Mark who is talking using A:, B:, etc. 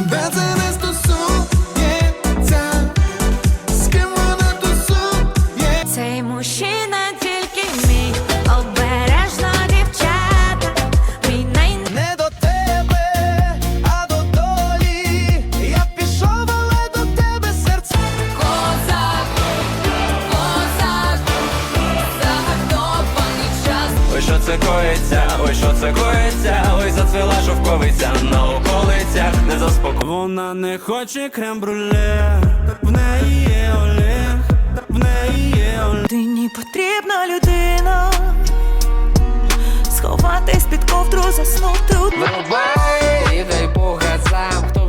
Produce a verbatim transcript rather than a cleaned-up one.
A: Де це не стосується, з ким вона тусує.
B: Цей мужчина тільки мій, обережно, дівчата, мій най...
A: Не до тебе, а до долі. Я пішов, але до тебе серце.
B: Козак, козак, загартований час.
C: Ой, що це коїться, ой, що це коїться, ой, зацвіла шовковиця на околицях, не заспокоїться.
D: Вона не хоче крем-брюле, в неї є Олег, в неї є Олег.
E: Людині потрібна людина, сховатись під ковдру, заснути у
F: Врубай і дай по газам, хто